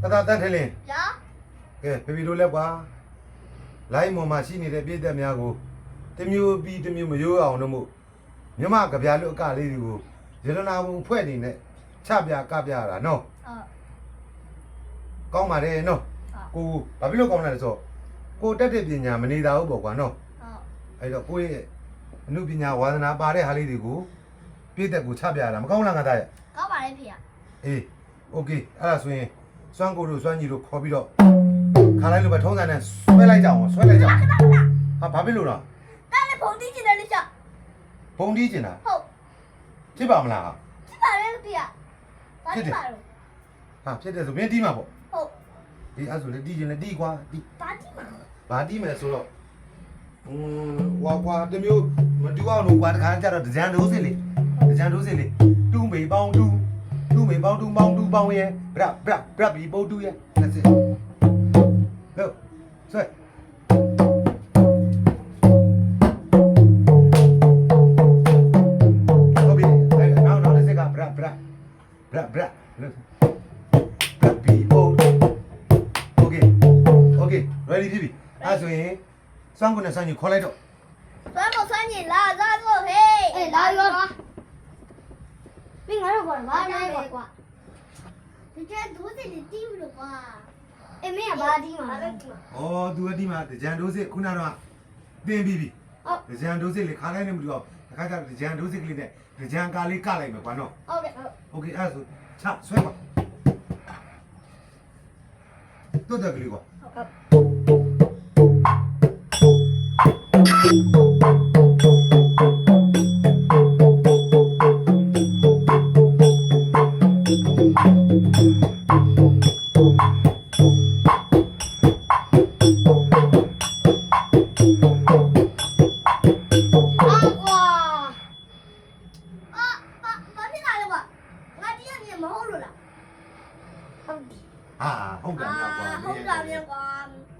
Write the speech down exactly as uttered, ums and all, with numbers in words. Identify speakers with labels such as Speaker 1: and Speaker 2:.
Speaker 1: သားတန်းထလင်း
Speaker 2: ဗျာ
Speaker 1: ကဲဖေဖေတို့လည်းကွာလိုင်းမော်မှာရှိနေတဲ့ပြည်သက်များကိုတမျိုးပြီးတမျိုးမရိုးအောင်လို့မို့မြမကြပြားလို့အကလေးတွေကိုရတနာဘုံဖွဲ့နေနဲ့ချပြကပြရတာနော်
Speaker 2: ဟုတ်
Speaker 1: ကောင်းပါတယ်နော်ကိုဘာဖြစ်လို့ကောင်းလဲဆိုကိုတက်တဲ့ပညာမနေတာဘူးပေါ့ကွာနော်
Speaker 2: ဟုတ်
Speaker 1: အဲ့တော့ကိုရဲ့အမှုပညာဝါသနာပါတဲ့ဟာလေးတွေကိုပြည်သက်ကိုချပြရတာမကောင်းလားငါသားရဲ့
Speaker 2: ကောင်းပါလေဖေရ
Speaker 1: အေးโอเคအဲ့ဒါဆိုရင်စွမ်းကိုတို့စွမ်းကြီးတို့ခေါ်ပြီးတော့ခါလိုက်လို့ပဲထုံးစံနဲ့ဆွဲလိုက်ကြအောင်ဆွဲလိုက်ကြအောင်ဟာဘာဖြစ်လို့လဲ
Speaker 2: တားလည်းဖုန်တီးချင်တယ်လို့ချက်
Speaker 1: ဘုံတီးကျင်တာ
Speaker 2: ဟုတ်
Speaker 1: ဖြစ်ပါမလားဟာ
Speaker 2: ဖြစ်ပါလေဖေရဘာဖြစ်ပါလို့
Speaker 1: ဟာဖြစ်တယ်ဆိုမင်းတီးမှာပေါ့
Speaker 2: ဟုတ်
Speaker 1: ဒီအဲ့ဆိုလေတီးကျင်လေတီးကွာတီး
Speaker 2: ဘာတီးမှာ
Speaker 1: ဘာတီးမယ်ဆိုတော့อืมဝါကွာတမျိုးမတူအောင်လို့ကွာတခါကျတော့ဒကြံဒိုးစစ်လေဒကြံဒိုးစစ်လေတူးမေပေါင်းတူးတူးမေပေါင်းတူးပေါင်းတူးပေါင်းရဲ့ဗရဗရဗရဘီပိုးတူးရဲ့လက်စစ်ဟုတ်ဆွဲဟုတ်ပြီအဲ့နောက်နောက်တစ်စက်ကဗရဗရဗရဗရဗရဘီပိုးโอเคโอเค ready ပြီပြီအဲ့ဆိုရင်စွမ်းကုန်နဲ့စွမ်းကြီးခေါ်လိုက်တော့
Speaker 2: ဆွမ်းမဆွမ်းရင်လာသားတော့ဟေးအေးလာရောမင်းငါတော့ကွာဘာလဲကွာဒီကျဒူးစီတီးဘူးလို့ကွာအေးမင်းကဘာတီးမှာလဲ
Speaker 1: ဩသူအတိမှာဒကြံဒိုးစစ်ခုနကတော့တင်ပြီးပြီဒကြံဒိုးစစ်လေခါလိုက်နေမလို့တခါကျဒကြံဒိုးစစ်ကလေးနဲ့ဒကြံကာလေးကလိုက်မယ်ကွာနော်
Speaker 2: ဟုတ်ကဲ့ဟုတ်
Speaker 1: โอเคအဲ့ဆိုချဆွဲပါတွတ်တယ်ကလေးကွာ
Speaker 2: 啊哇！啊啊，把屁拿来吧，我今天你毛了啦。
Speaker 1: ဟာဟုတ်တယ်
Speaker 2: 啊，
Speaker 1: ကွာ
Speaker 2: 好干面瓜。